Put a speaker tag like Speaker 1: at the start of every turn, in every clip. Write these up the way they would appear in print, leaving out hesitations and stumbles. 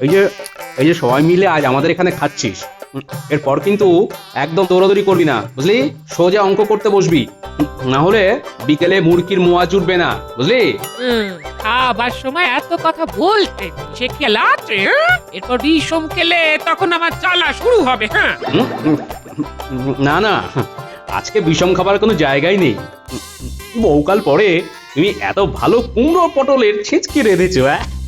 Speaker 1: এই যে এই যে সবাই মিলে আজ আমাদের এখানে খাচ্ছিস, এরপর কিন্তু একদম দৌড়াদৌড়ি করবি না, বুঝলি? সোজা অঙ্ক করতে বসবি, না হলে বিকেলে মুরগির মোয়া জুটবে না, বুঝলি?
Speaker 2: খাবার সময় এত কথা বলতে সে খেলা আছে, হ্যাঁ? এরপর বিষম খেলে তখন আমার জ্বালা শুরু হবে। হ্যাঁ,
Speaker 1: না না, আজকে বিষম খাবার কোনো জায়গাই নেই। বহুকাল পরে তুমি এত ভালো কুমড়ো পটলের ছেঁচকি রেঁধেছো।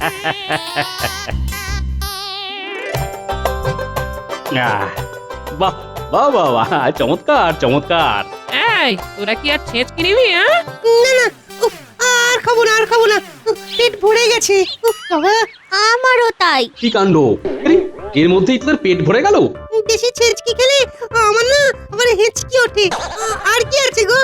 Speaker 1: বাহ বাহ বাহ বাহ, চমৎকার চমৎকার।
Speaker 2: এই তোরা কি আর ছেঁচকি নিবি? হ্যাঁ,
Speaker 3: না না, উফ, আর খাবো না আর খাবো না, উফ, পেট ভরে গেছে। উফ বাবা,
Speaker 4: আমারও তাই।
Speaker 1: কি কাণ্ড! আরে, এর মধ্যেই তোদের পেট ভরে গেল?
Speaker 3: বেশি ছেঁচকি খেলে আমার না আবার হেঁচকি ওঠে। আর কি আছে গো?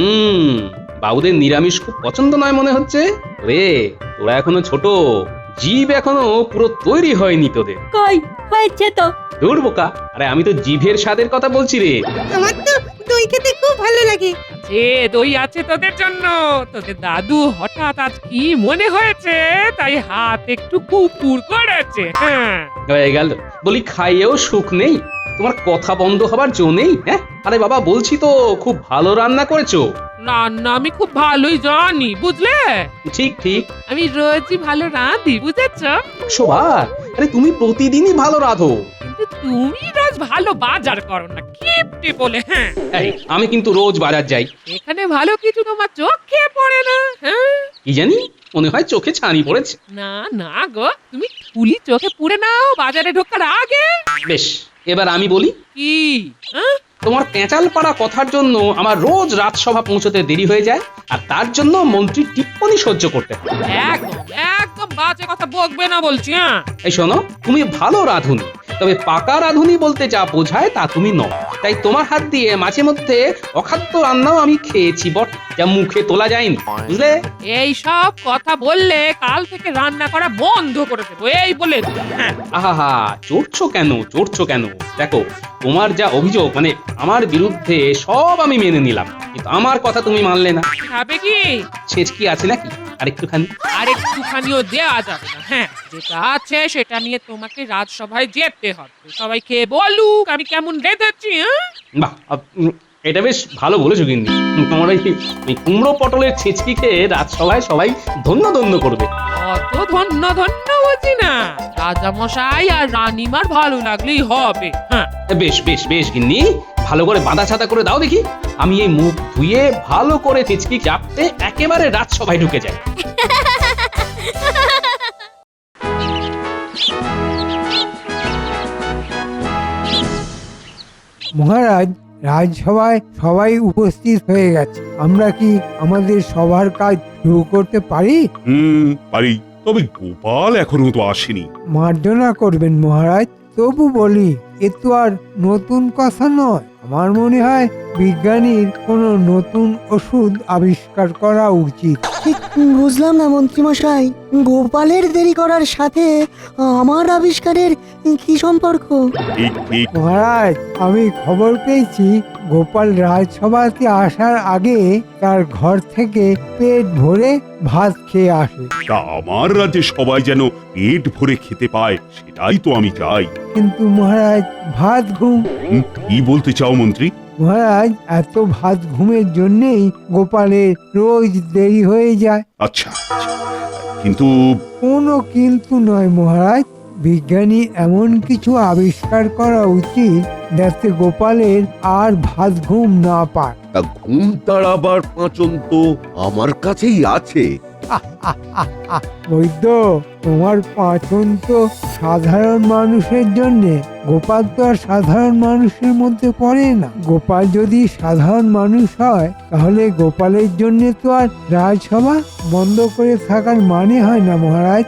Speaker 1: বাবুদের নিরামিষ খুব পছন্দ নয় মনে হচ্ছে রে। তোরা এখনো ছোট, জিভ এখনো পুরো তৈরি হয়নি তোদের।
Speaker 4: কই হয়েছে তো।
Speaker 1: দূর বোকা, আরে আমি তো জিভের স্বাদের কথা বলছি রে।
Speaker 3: আমার তো দই খেতে খুব ভালো লাগে।
Speaker 2: যে দই আছে তোদের জন্য। তোদের দাদু হঠাৎ আজ কি মনে হয়েছে তাই হাত একটু কুকুর করেছে। হ্যাঁ,
Speaker 1: হয়ে গেল, বলি খাইয়েও সুখ নেই, তোমার কথা বন্ধ হবার জো নেই। হ্যাঁ, আরে বাবা বলছি তো খুব ভালো রান্না করেছো।
Speaker 2: রান্না আমি খুব ভালোই জানি, বুঝলে?
Speaker 1: ঠিক ঠিক।
Speaker 2: আমি রোজই ভালো রাঁধি, বুঝেছ?
Speaker 1: শোভা, আরে তুমি প্রতিদিনই ভালো রাঁধো।
Speaker 2: কিন্তু তুমি রোজ ভালো বাজার করো না, কিপটে বলে। হ্যাঁ,
Speaker 1: এই, আমি কিন্তু রোজ বাজার যাই।
Speaker 2: এখানে ভালো কিছু তোমার চোখে পড়ে না। হ্যাঁ,
Speaker 1: কি জানি, মনে হয় চোখে ছানি পড়েছে।
Speaker 2: না না গো, তুমি ফুলি চোখে পুড়ে নাও বাজারে ঢোকার আগে।
Speaker 1: বেশ, এবার আমি বলি।
Speaker 2: কি? হ্যাঁ,
Speaker 1: তোমার পেঁচাল পাড়া কথার জন্য আমার রোজ রাজসভা পৌঁছতে দেরি হয়ে যায়, আর তার জন্য মন্ত্রীর টিপ্পনি সহ্য করতে হয়।
Speaker 2: একদম একদম বাজে কথা বকবে না বলছি। হ্যাঁ,
Speaker 1: এই শোনো, তুমি ভালো রাঁধুনি, তবে পাকা রাঁধুনি বলতে যা বোঝায় তা তুমি নও। তাই তোমার হাত দিয়ে মাঝে মধ্যে অখাদ্য রান্নাও আমি খেয়েছি বট, যা মুখে তোলা যায়নি, বুঝলে?
Speaker 2: এই সব কথা বললে কাল থেকে রান্না করা বন্ধ করে দেবো, এই বলে দিলাম। হ্যাঁ,
Speaker 1: আহা, চড়ছো কেন চড়ছো কেন? দেখো, তোমার যা অভিযোগ, মানে আমার বিরুদ্ধে, সব আমি মেনে নিলাম, কিন্তু আমার কথা তুমি মানলে না।
Speaker 2: খাবে কি?
Speaker 1: ছেচকি আছে নাকি আর একটুখানি?
Speaker 2: আর একটুখানিও দেওয়া যাবে না। হ্যাঁ, যেটা আছে সেটা নিয়ে তোমাকে রাজসভায় যেতে হবে। সবাই খেয়ে বলুক আমি কেমন রেঁধেছি। হ্যাঁ,
Speaker 1: বাহ, এটা বেশ ভালো বলেছো। কিন্তু তোমার এই কুমড়ো পটলের ছেচকি খেয়ে রাজসভায় সবাই ধন্য ধন্য করবে।
Speaker 2: অত ধন্য ধন্য বুঝি না, রাজামশাই আর রানীমার ভালো লাগলেই হবে। হ্যাঁ,
Speaker 1: বেশ বেশ বেশ গিন্নি, ভালো করে বাঁধা ছাতা করে দাও দেখি, আমি এই মুখ ধুয়ে ভালো করে ছেচকি চাপতে একেবারে রাজসভায় ঢুকে যাই।
Speaker 5: মহারাজ, রাজসভায় সবাই উপস্থিত হয়ে গেছে। আমরা কি আমাদের সবার কাজ শুরু করতে পারি?
Speaker 6: পারি, তবে গোপাল এখনো তো আসেনি।
Speaker 5: মার্জনা করবেন মহারাজ, তবু বলি, এ তো আর নতুন কথা নয়। আমার মনে হয় বিজ্ঞানীর কোনো নতুন ওষুধ আবিষ্কার করা উচিত।
Speaker 3: ঠিক বুঝলাম না মন্ত্রীমশাই, গোপালের দেরি করার সাথে আমার আবিষ্কারের কি সম্পর্ক?
Speaker 6: ঠিক ঠিক।
Speaker 5: মহারাজ, আমি খবর পেয়েছি গোপাল রাজসভাতে আসার আগে তার ঘর থেকে পেট ভরে ভাত খেয়ে আসে।
Speaker 6: তা আমার রাজ্যে সবাই যেন পেট ভরে খেতে পায়, সেটাই তো আমি চাই।
Speaker 5: কিন্তু মহারাজ, ভাত ঘুম।
Speaker 6: কি বলতে চাও মন্ত্রী?
Speaker 5: মহারাজ, এত ভাত ঘুমের জন্যেই গোপালের রোজ দেরি হয়ে যায়।
Speaker 6: আচ্ছা আচ্ছা, কিন্তু
Speaker 5: কোনো কিন্তু নয় মহারাজ, বিজ্ঞানী এমন কিছু আবিষ্কার করা উচিত যাতে গোপালের আর ভাত ঘুম না পায়।
Speaker 7: তা ঘুম তাড়াবার পাঁচন তো আমার কাছেই আছে।
Speaker 5: বৈদ্য, তোমার পাচন তো সাধারণ মানুষের জন্য, গোপাল তো আর সাধারণ মানুষের মধ্যে পড়ে না। গোপাল যদি সাধারণ মানুষ হয় তাহলে গোপালের জন্য তো আর রাজসভা বন্ধ করে থাকার মানে হয় না মহারাজ।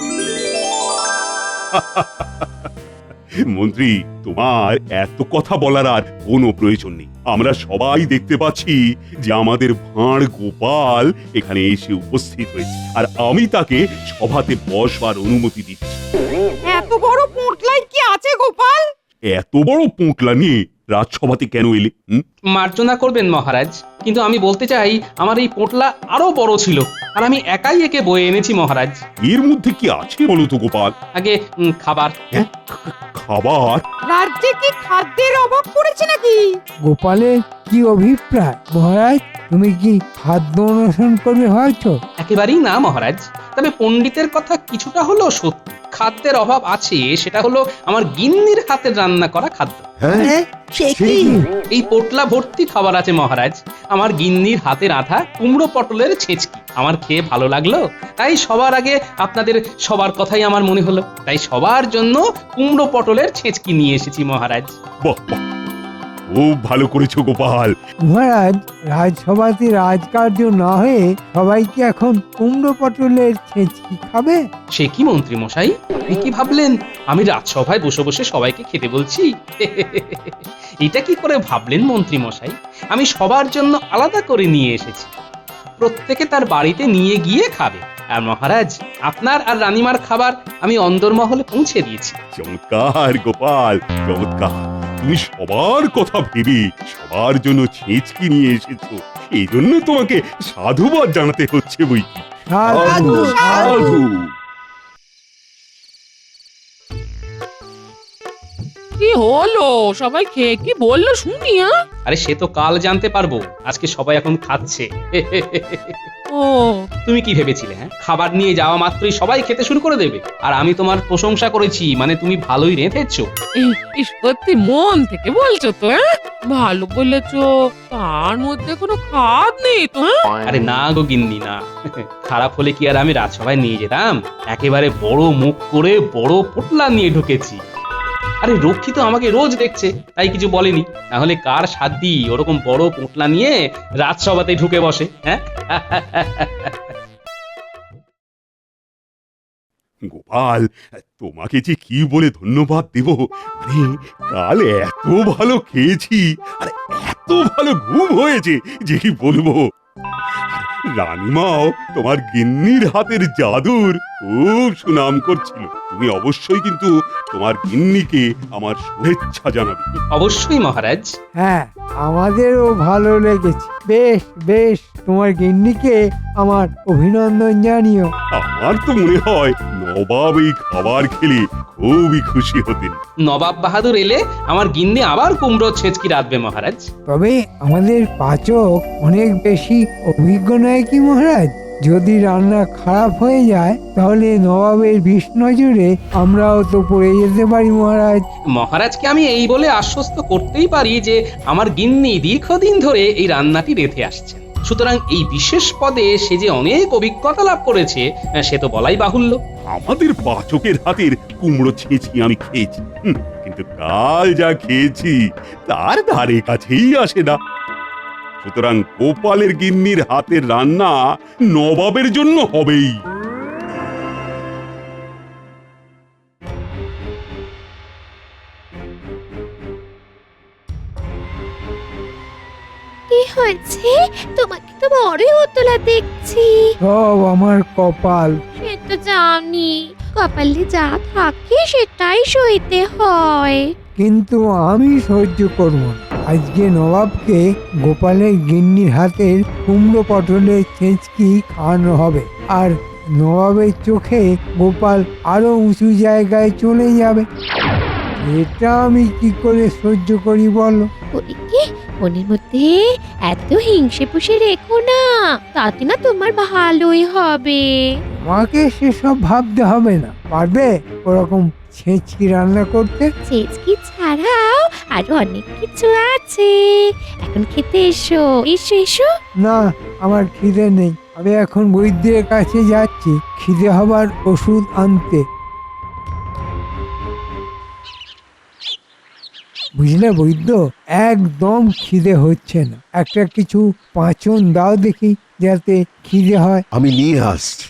Speaker 6: মন্ত্রী, তোমার এত কথা বলার আর কোনো প্রয়োজন নেই। আমরা সবাই দেখতে পাচ্ছি যে আমাদের ভাঁড় গোপাল এখানে এসে উপস্থিত হয়েছে, আর আমি তাকে সভাতে বসবার অনুমতি দিচ্ছি।
Speaker 2: এত বড় পোঁটলাই কি আছে গোপাল?
Speaker 6: এত বড় পোঁটলা নিয়ে রাজসভাতে কেন এলে?
Speaker 1: মার্জনা করবেন মহারাজ, কিন্তু আমি বলতে চাই আমার এই পোটলা আরো বড় ছিল, আর আমি একাই একে বয়ে এনেছি মহারাজ।
Speaker 6: এর মধ্যে কি আছে বলো তো গোপাল?
Speaker 1: আগে খাবার।
Speaker 6: খাবার?
Speaker 8: রাজ্যে কি খাদ্যের অভাব পড়েছে নাকি?
Speaker 5: গোপালের কি অভিপ্রায় মহারাজ? তুমি কি খাদ্য অনশন করবে হয়তো?
Speaker 1: একেবারেই না মহারাজ, তবে পণ্ডিতের কথা কিছুটা হলো সত্যি। খাদ্যের অভাব আছে, সেটা হলো আমার গিন্নির হাতের রান্না করা খাদ্য।
Speaker 7: হ্যাঁ
Speaker 3: সে
Speaker 7: সে
Speaker 3: কি?
Speaker 7: কি?
Speaker 1: এই পোটলা ভর্তি খাবার আছে মহারাজ, আমার গিন্নির হাতে রাঁধা কুমড়ো পটলের ছেঁচকি। আমার খেয়ে ভালো লাগলো, তাই সবার আগে আপনাদের সবার কথাই আমার মনে হলো, তাই সবার জন্য কুমড়ো পটলের ছেঁচকি নিয়ে এসেছি মহারাজ।
Speaker 6: বাহ বাহ, খুব ভালো করেছো গোপাল।
Speaker 5: মহারাজ, রাজসভাতে রাজকার্য না হয়ে সবাই কি এখন কুমড়ো পটলের ছেঁচকি খাবে?
Speaker 1: সে কি মন্ত্রী মশাই, আপনি কি ভাবলেন আমি রাজসভায় বসে বসে সবাইকে খেতে বলছি? এটা কি করে ভাবলেন মন্ত্রী মশাই? আমি সবার জন্য আলাদা করে নিয়ে এসেছি, প্রত্যেকে তার বাড়িতে নিয়ে গিয়ে খাবে। আর মহারাজ, আপনার আর রানীমার খাবার আমি অন্দরমহলে পৌঁছে দিয়েছি।
Speaker 6: চমৎকার গোপাল, চমৎকার। তুমি সবার কথা ভেবে সবার জন্য ছেঁচকি নিয়ে এসেছো, এই জন্য তোমাকে সাধুবাদ জানাতে হচ্ছে বই কি।
Speaker 5: সাধু,
Speaker 6: সাধু।
Speaker 2: কি হলো, সবাই খেয়ে কি বললো শুনি?
Speaker 1: আরে সে তো কাল জানতে পারবো, আজকে সবাই এখন খাচ্ছে।
Speaker 2: ও,
Speaker 1: তুমি কি ভেবেছিলে হ্যাঁ, খাবার নিয়ে যাওয়া মাত্রই সবাই খেতে শুরু করে দেবে? আর আমি তোমার প্রশংসা করেছি মানে তুমি ভালোই রেঁধেছো।
Speaker 2: এই সত্যি মন থেকে বলছো তো? ভালো বলেছো, তার মধ্যে কোনো খাদ নেই তো?
Speaker 1: আরে না গো গিন্নি না, খারাপ হলে কি আর আমি রাজসভায় নিয়ে যেতাম? একেবারে বড় মুখ করে বড় পোটলা নিয়ে ঢুকেছি। আরে রক্ষী তো আমাকে রোজ দেখছে, তাই কিছু বলেনি, তাহলে কার সাধ্যি ওরকম বড় পোটলা নিয়ে রাজসভাতে ঢুকে বসে? হ্যাঁ
Speaker 6: গোপাল, তোমাকে যে কি বলে ধন্যবাদ দেব, মানে কাল এত ভালো খেয়েছি আর এত ভালো ঘুম হয়েছে যে কি বলবো। আর রানীমাও তোমার গিন্নির হাতের জাদুর খুব সুনাম করছিল। তুমি অবশ্যই কিন্তু তোমার গিন্নিকে আমার শুভেচ্ছা জানাবে।
Speaker 1: অবশ্যই মহারাজ।
Speaker 5: হ্যাঁ, আমাদেরও ভালো লেগেছে। বেশ বেশ, তোমার গিন্নিকে আমার অভিনন্দন জানিও।
Speaker 6: আমার তো মনে হয় নবাব এই খাবার খেলে খুবই খুশি হতেন।
Speaker 1: নবাব বাহাদুর এলে আমার গিন্নি আবার কুমড়ো ছেঁচকি রাঁধবে মহারাজ।
Speaker 5: তবে আমাদের পাচক অনেক বেশি অভিজ্ঞ নয় কি মহারাজ? যদি রান্না খারাপ হয়ে যায় তাহলে নবাবের বিষ নজরে আমরাও তো পড়ে যেতে পারি মহারাজ।
Speaker 1: মহারাজকে আমি এই বলে আশ্বস্ত করতেই পারি যে আমার গিন্নি দীর্ঘদিন ধরে এই রান্নাটি রেঁধে আসছে, সুতরাং এই বিশেষ পদে সে যে অনেক অভিজ্ঞতা লাভ করেছে সে তো বলাই বাহুল্য।
Speaker 6: আমাদের পাচকের হাতের কুমড়ো ছেঁচকি আমি খেয়েছি, কিন্তু কাল যা খেয়েছি তার ধারে কাছেই আসে না। সুতরাং গোপালের গিন্নির হাতের রান্না নবাবের জন্য হবেই।
Speaker 4: কি হয়েছে? তোমাকে তো বড়ই উতলা দেখছি।
Speaker 5: সব আমার কপাল।
Speaker 4: সে তো জানি, কপালে যা থাকে সেটাই সইতে হয়।
Speaker 5: কিন্তু আমি সহ্য করব না। আজকে নবাবকে গোপালের গিন্নির হাতের কুমড়ো পটলের ছেঁচকি খাওয়ানো হবে, আর নবাবের চোখে গোপাল আরো উঁচু জায়গায় চলে যাবে। এটা আমি কি করে সহ্য করি বলো?
Speaker 4: ওদিকে মনের মধ্যে এত হিংসে পুষে রেখো না, তাতে না তোমার ভালোই হবে।
Speaker 5: আমাকে সেসব ভাবতে হবে না। পারবে ওরকম ছেঁচকি রান্না করতে?
Speaker 4: ছেচকি ছাড়াও আরো অনেক কিছু আছে, এখন খেতে এসো। এসো এসো।
Speaker 5: না, আমার খিদে নেই। আমি এখন বৈদ্যের কাছে যাচ্ছি খিদে হবার ওষুধ আনতে। বুঝলে বৈদ্য, একদম খিদে হচ্ছে না। একটা কিছু পাঁচন দাও দেখি যাতে খিদে হয়।
Speaker 7: আমি নিয়ে আসছি।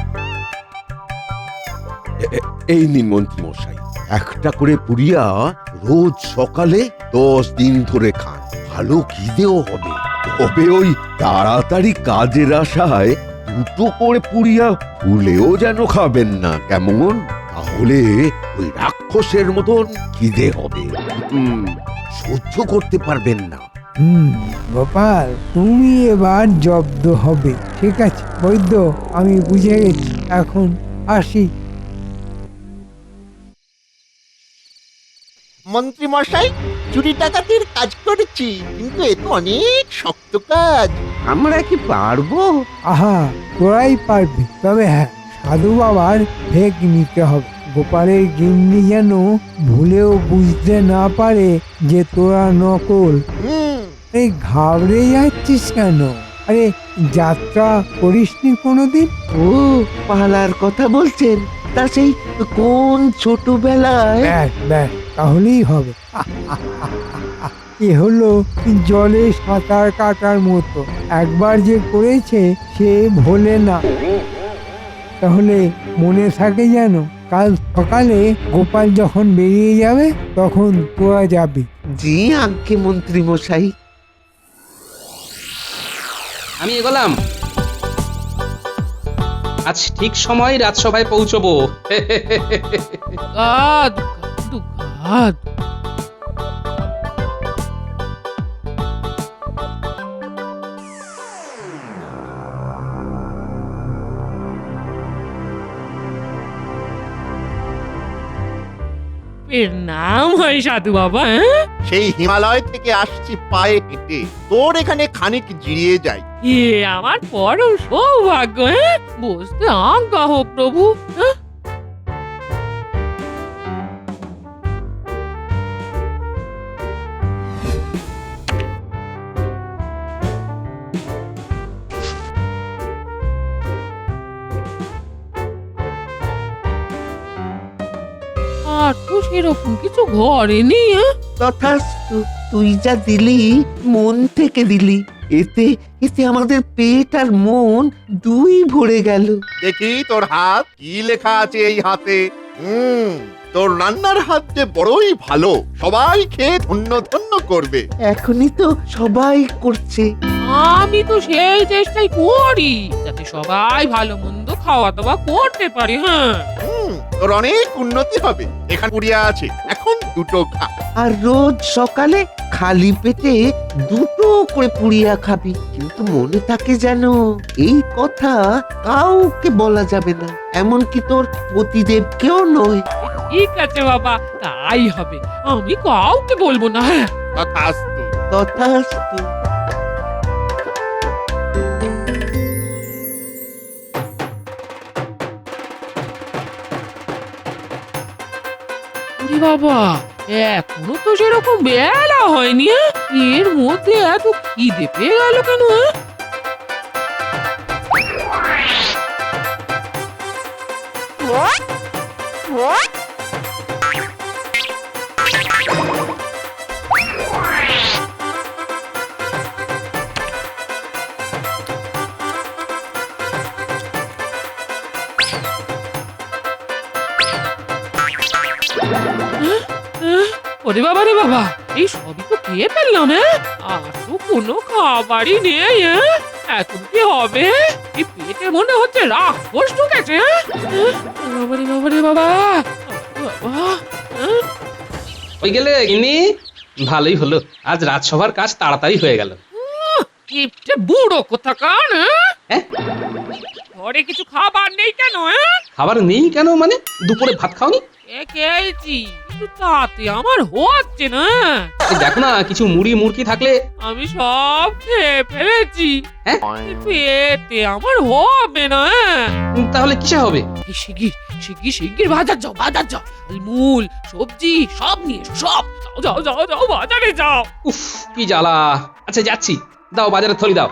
Speaker 7: এই নিন মন্ত্রী মশাই, একটা করে পুড়িয়া রোজ সকালে 10 দিন ধরে খান, ভালো খিদেও হবে। তবে ওই তাড়াতাড়ি কাজের আশায় দুটো করে পুড়িয়া ভুলেও যেন খাবেন না, কেমন? তাহলে ওই রাক্ষসের মতন খিদে হবে, সহ্য করতে পারবেন না।
Speaker 5: গোপাল, তুমি এবার জব্দ হবে। ঠিক আছে বৈদ্য, আমি বুঝে গেছি, এখন আসি।
Speaker 9: মন্ত্রী মশাই, চুরি ডাকাতির কাজ করেছি, কিন্তু এ তো অনেক শক্ত কাজ।
Speaker 7: আমরা কি পারবো?
Speaker 5: আহা, তোরাই পারবি। তবে হ্যাঁ, সাধু বাবার ভেগ নিতে হবে। গোপালের গিন্নি যেন ভুলেও বুঝতে না পারে যে তোরা নকল। এই ঘাবড়ে যাচ্ছিস কেন? আরে যাত্রা করিসনি কোনোদিন?
Speaker 7: ও, পালার কথা বলছেন? তা সেই কোন ছোটবেলায়?
Speaker 5: ব্যাস ব্যাস, তাহলেই হবে। এ হলো জলে সাঁতার কাটার মতো, একবার যে করেছে সে ভোলে না। তাহলে মনে থাকে যেন, কাল সকালে গোপাল যখন বেরিয়ে যাবে তখন তোরা যাবি।
Speaker 7: জি আজ্ঞে মন্ত্রী মশাই।
Speaker 1: আমি এগোলাম। আজ ঠিক সময় রাজসভায় পৌঁছবো।
Speaker 2: গাদ গাদ। এর নাম হয় সাধু বাবা।
Speaker 9: সেই হিমালয় থেকে আসছি পায়ে হেঁটে, তোর এখানে খানিক জিরিয়ে যাই।
Speaker 2: এ আমার পরম সৌভাগ্য। বসতে আজ্ঞা হোক প্রভু। আর তো সেরকম কিছু ঘরে নেই।
Speaker 7: তথাস্তু, তুই যা দিলি মন থেকে দিলি, এতে এতে আমাদের পেট আর মন দুই ভরে গেল।
Speaker 9: দেখি তোর হাত, কি লেখা আছে এই হাতে? তোর রান্নার হাত যে বড়ই ভালো, সবাই খেয়ে ধন্য ধন্য করবে।
Speaker 7: এখনই তো সবাই করছে।
Speaker 2: আমি তো সেই চেষ্টাই করি যাতে সবাই ভালো মন্দ খাওয়া দাওয়া করতে পারে।
Speaker 9: তোর অনেক উন্নতি হবে। এখানে পুড়িয়া আছে, এখন দুটো খা।
Speaker 7: আর রোজ সকালে খালি পেটে দুটো করে পুড়িয়া খাবি, কিন্তু মনে থাকে যেন এই কথা কাউকে বলা যাবে না, এমনকি তোর পতিদেবকেও নয়।
Speaker 2: ঠিক আছে বাবা, তাই হবে। আমি কাউকে বলবো না।
Speaker 9: তথাস্তু।
Speaker 7: তথাস্তু।
Speaker 2: বাবা, এখনো তো সেরকম বেলা হয়নি। এর মধ্যে এত খিদে পেয়ে গেল কেন? ওরে বাবা রে বাবা, এই সবই তো খেয়ে ফেললাম। আর তো কোনো খাবারই নেই। এখন কি হবে? এই পেটে মনে হচ্ছে রাক্ষস ঢুকেছে। বাবা রে বাবা রে বাবা।
Speaker 1: ওই গেলে গিন্নি, ভালোই হলো, আজ রাজসভার কাজ তাড়াতাড়ি হয়ে গেল।
Speaker 2: কিপটে বুড়ো কোথাকার।
Speaker 1: হ্যাঁ?
Speaker 2: ঘরে কিছু খাবার নেই কেন?
Speaker 1: খাবার নেই কেন মানে? দুপুরে ভাত খাওনি?
Speaker 2: খেয়েছি, কিন্তু তাতে আমার হচ্ছে না।
Speaker 1: এই দেখো না, কিছু মুড়ি মুরকি থাকলে।
Speaker 2: আমি সব খেয়ে ফেলেছি,
Speaker 1: হ্যাঁ?
Speaker 2: পেটে আমার হবে না।
Speaker 1: তাহলে কিসে হবে?
Speaker 2: শিগগির শিগগির শিগগির বাজার যাও, বাজার যাও। মূল সবজি সব নিয়ে এসো, সব। যাও যাও যাও যাও, বাজারে যাও।
Speaker 1: উফ, কি জ্বালা। আচ্ছা যাচ্ছি, দাও বাজারে থলি দাও।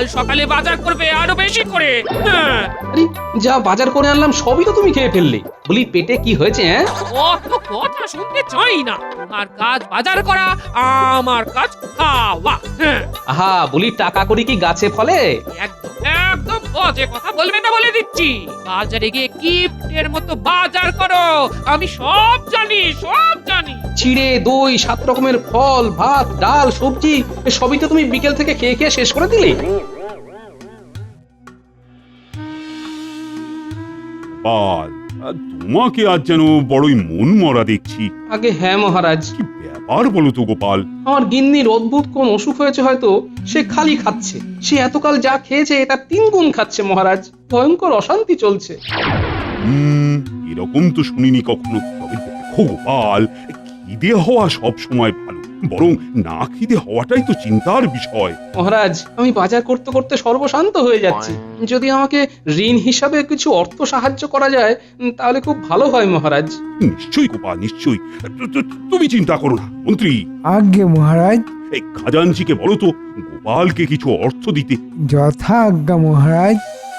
Speaker 2: কাল সকালে বাজার করবে আরো বেশি করে। হ্যাঁ,
Speaker 1: আরে যা বাজার করে আনলাম সবই তো তুমি খেয়ে ফেললে। বলি পেটে কি হয়েছে হ্যাঁ?
Speaker 2: অত কথা শুনতে চাই না। তোমার কাজ বাজার করা, আমার কাজ খাওয়া। হ্যাঁ,
Speaker 1: আহা বলি টাকা করি কি গাছে ফলে?
Speaker 2: একদম একদম বাজে কথা বলবে না বলে দিচ্ছি। বাজারে গিয়ে কিপ্টের মতো বাজার করো, আমি সব জানি সব জানি।
Speaker 1: চিড়ে দই 7 রকমের ফল ভাত ডাল সবজি সবই তো তুমি বিকেল থেকে খেয়ে খেয়ে শেষ করে দিলে।
Speaker 6: গোপাল, তোমাকে আজ যেন বড়ই মন মরা দেখছি।
Speaker 1: আগে হ্যাঁ মহারাজ,
Speaker 6: কি ব্যাপার বলো তো গোপাল?
Speaker 1: আমার গিন্নির অদ্ভুত কোন অসুখ হয়েছে হয়তো। সে খালি খাচ্ছে, সে এতকাল যা খেয়েছে এটা 3 গুণ খাচ্ছে মহারাজ। ভয়ঙ্কর অশান্তি চলছে।
Speaker 6: এরকম তো শুনিনি কখনো। তবে দেখো গোপাল, খিদে হওয়া সব সময় ভালো, বরং না খিদে হওয়াটাই তো চিন্তার বিষয়।
Speaker 1: মহারাজ আমি বাজার করতে করতে সর্বশান্ত হয়ে যাচ্ছি। যদি আমাকে ঋণ হিসাবে কিছু অর্থ সাহায্য করা যায় তাহলে খুব ভালো হয় মহারাজ।
Speaker 6: নিশ্চয়ই গোপাল, নিশ্চয়ই। তুমি চিন্তা করো না মন্ত্রী।
Speaker 5: আজ্ঞে মহারাজ।
Speaker 6: এই খাজানজিকে বলো তো গোপালকে কিছু অর্থ দিতে।
Speaker 5: যথা আজ্ঞা মহারাজ।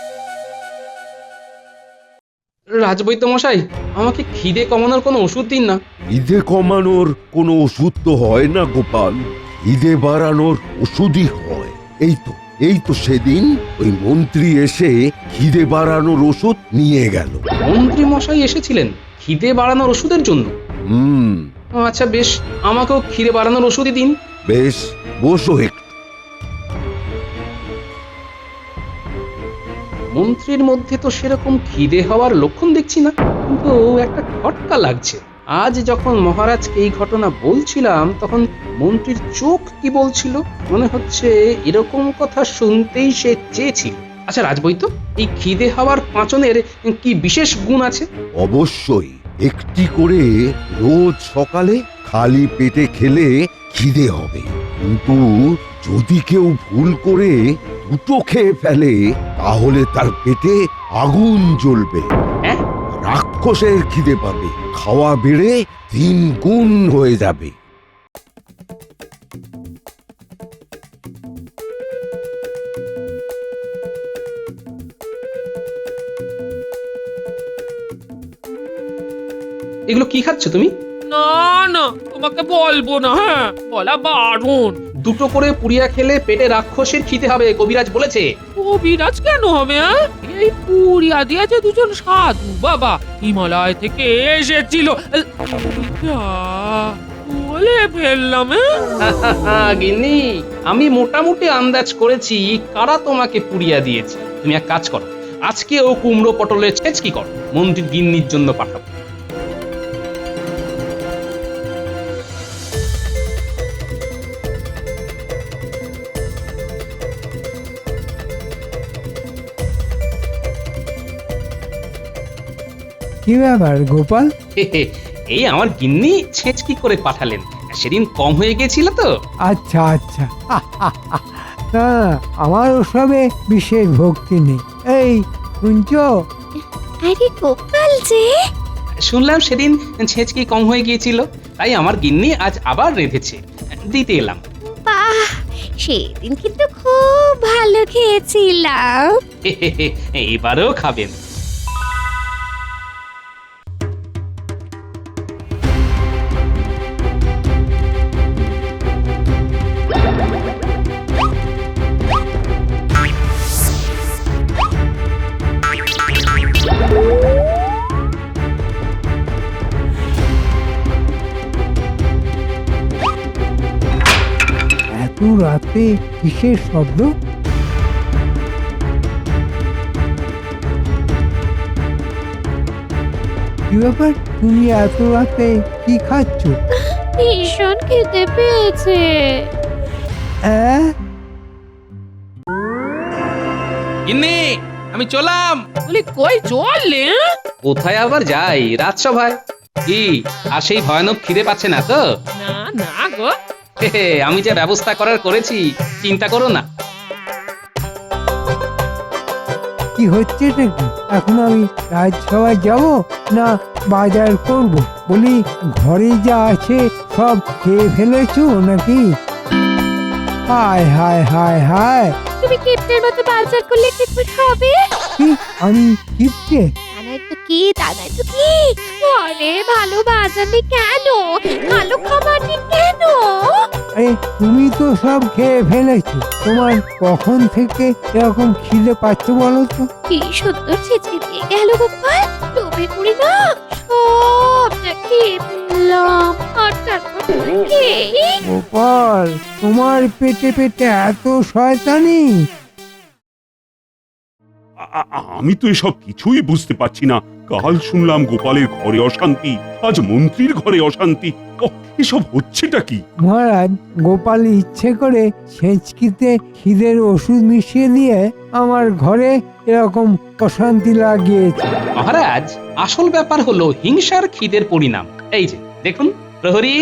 Speaker 1: রাজবৈদ্য মশাই, আমাকে খিদে কমানোর কোনো ওষুধ দিন না।
Speaker 7: খিদে কমানোর কোনো ওষুধ তো হয় না গোপাল, খিদে বাড়ানোর ওষুধই হয়। এই তো সেদিন ওই মন্ত্রী এসে খিদে বাড়ানোর ওষুধ নিয়ে গেল।
Speaker 1: মন্ত্রী মশাই এসেছিলেন খিদে বাড়ানোর ওষুধের জন্য? আচ্ছা বেশ, আমাকেও খিদে বাড়ানোর ওষুধই দিন।
Speaker 7: বেশ, বসো একটু।
Speaker 1: মন্ত্রীর মধ্যে তো সেরকম খিদে হওয়ার লক্ষণ দেখছি না, কিন্তু একটা খটকা লাগছে। আজ যখন মহারাজকে এই ঘটনা বলছিলাম তখন মন্ত্রীর চোখ কি বলছিল, মনে হচ্ছে এরকম কথা শুনতেই সে চেয়েছিল। আচ্ছা রাজবৈদ্য, এই খিদে হওয়ার পাঁচনের কি বিশেষ গুণ আছে?
Speaker 7: অবশ্যই, একটি করে রোজ সকালে খালি পেটে খেলে খিদে হবে। কিন্তু যদি কেউ ভুল করে 2টো খেয়ে ফেলে তাহলে তার পেটে আগুন জ্বলবে।
Speaker 1: হ্যাঁ?
Speaker 7: রাক্ষসের খিদে পাবে, খাওয়া বেড়ে 3 গুণ হয়ে যাবে।
Speaker 1: এগুলো কি খাচ্ছ তুমি?
Speaker 2: না না, তোমাকে বলবো না। হ্যাঁ, বলা বারণ।
Speaker 1: 2টো করে পুড়িয়া খেলে পেটে রাক্ষসের খিদে হবে, কবিরাজ বলেছে।
Speaker 2: কবিরাজ কেন হবে? এই পুরিয়া দিয়েছে দুজন সাধু বাবা, হিমালয় থেকে এসেছিল। বলে ফেললাম।
Speaker 1: গিন্নি, আমি মোটামুটি আন্দাজ করেছি কারা তোমাকে পুড়িয়া দিয়েছে। তুমি এক কাজ করো, আজকে ও কুমড়ো পটলের ছেচকি করো, মন্ত্রীর গিন্নির জন্য পাঠাবো।
Speaker 5: কি ব্যাপার গোপাল?
Speaker 1: এই আমার গিন্নি ছেচকি করে পাঠালেন, সেদিন কম হয়ে গেছিল তো।
Speaker 5: আচ্ছা আচ্ছা। না, আমার ওসবে বিশেষ ভক্তি নেই। এই শুনছো?
Speaker 4: আরে গোপাল যে,
Speaker 1: শুনলাম সেদিন ছেচকি কম হয়ে গিয়েছিল, তাই আমার গিন্নি আজ আবার রেঁধেছে, দিতে এলাম।
Speaker 4: বাহ, সেদিন কিন্তু খুব ভালো খেয়েছিলাম।
Speaker 1: এবারেও খাবেন।
Speaker 5: এত রাতে কিসের শব্দ? কি ব্যাপার, তুমি এত রাতে কি খাচ্ছ?
Speaker 4: ভীষণ খেতে পেয়েছে।
Speaker 5: হ্যাঁ?
Speaker 1: গিন্নি, আমি চললাম।
Speaker 2: বলি কই চললে?
Speaker 1: কোথায় আবার যাই, রাজসভায়। কি আর সেই ভয়ানক খিদে পাচ্ছে না তো?
Speaker 2: না না গো,
Speaker 1: আমি যে ব্যবস্থা করার করেছি, চিন্তা করো না।
Speaker 5: কি হচ্ছে নাকি? এখন আমি রাজসভায় যাব না বাজার করব? বলি ঘরে যা আছে সব খেয়ে ফেলেছো নাকি? হায় হায় হায় হায়,
Speaker 4: তুমি কিপ্টের মতো বাজার করলে কি করে হবে?
Speaker 5: কি আমি কিপটে?
Speaker 4: দানাই তো কি ঘরে ভালো বাজার নেই কেন? ভালো খাবার নেই কেন?
Speaker 5: আরে তুমি তো সব খেয়ে ফেলেছো। তোমার কখন থেকে এরকম খিদে পাচ্ছে বলো তো?
Speaker 4: কি সুন্দর ছেঁচকে দিয়ে গেল গোপাল, লোভে করি না সবটা খেয়ে ফেললাম। আর তারপর খেয়ে
Speaker 5: গোপাল, তোমার পেটে পেটে এত শয়তানি?
Speaker 6: আমি তো এসব কিছুই বুঝতে পারছি না। কাল শুনলাম গোপালের ঘরে অশান্তি, আজ মন্ত্রীর ঘরে অশান্তি। এসব হচ্ছেটা কি?
Speaker 5: মহারাজ, গোপাল ইচ্ছে করে ছেঁচকিতে খিদের ওষুধ মিশিয়ে দিয়ে আমার ঘরে এরকম অশান্তি লাগিয়েছে।
Speaker 1: মহারাজ, আসল ব্যাপার হলো হিংসার খিদের পরিণাম। এই যে দেখুন, প্রহরী,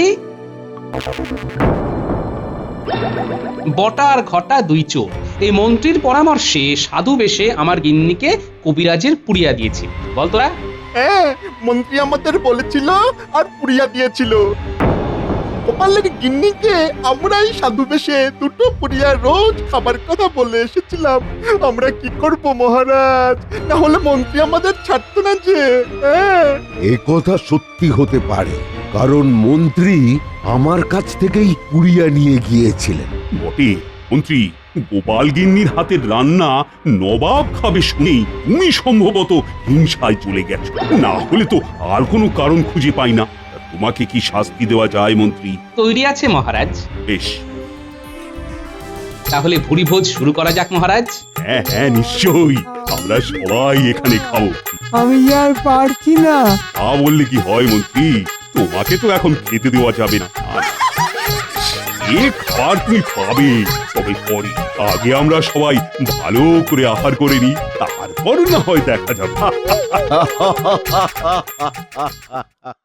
Speaker 1: বটা আর ঘটা দুই চোর এই মন্ত্রীর পরামর্শে সাধু বেশে আমার গিন্নিকে কবিরাজের পুড়িয়া দিয়েছে। বল তোরা।
Speaker 9: হ্যাঁ, মন্ত্রী আমাদের বলেছিল আর পুড়িয়া দিয়েছিল। গোপালের গিন্নিকে আমরাই সাধু বেশে দুটো পুড়িয়া রোজ খাবার কথা বলে এসেছিলাম। আমরা কি করব মহারাজ? না হলে মন্ত্রী আমাদের ছাড়তো না যে। হ্যাঁ,
Speaker 7: এ কথা সত্যি হতে পারে, কারণ মন্ত্রী আমার কাছ থেকেই কুড়িয়ে নিয়ে গিয়েছিলেন।
Speaker 6: বটে মন্ত্রী, গোপাল গিন্নির হাতের রান্না নবাব খাবে শুনেই তুমি সম্ভবত হিংসায় চলে গেছো। না হলে তো আর কোনো কারণ খুঁজে পাই না। তা তোমাকে কি শাস্তি দেওয়া যায় মন্ত্রী?
Speaker 1: তৈরি আছে মহারাজ?
Speaker 6: বেশ,
Speaker 1: তাহলে ভুরি ভোজ শুরু করা যাক মহারাজ।
Speaker 6: হ্যাঁ হ্যাঁ, নিশ্চয়ই। আমরা সবাই এখানে খাবো।
Speaker 5: আমি আর পারছি না।
Speaker 6: তা বললে কি হয় মন্ত্রী? তোমাকে তো এখন খেতে দেওয়া যাবে না। এ খাবার তুমি পাবে, তবে পরে। আগে আমরা সবাই ভালো করে আহার করে নিই, তারপর না হয় দেখা যাবে।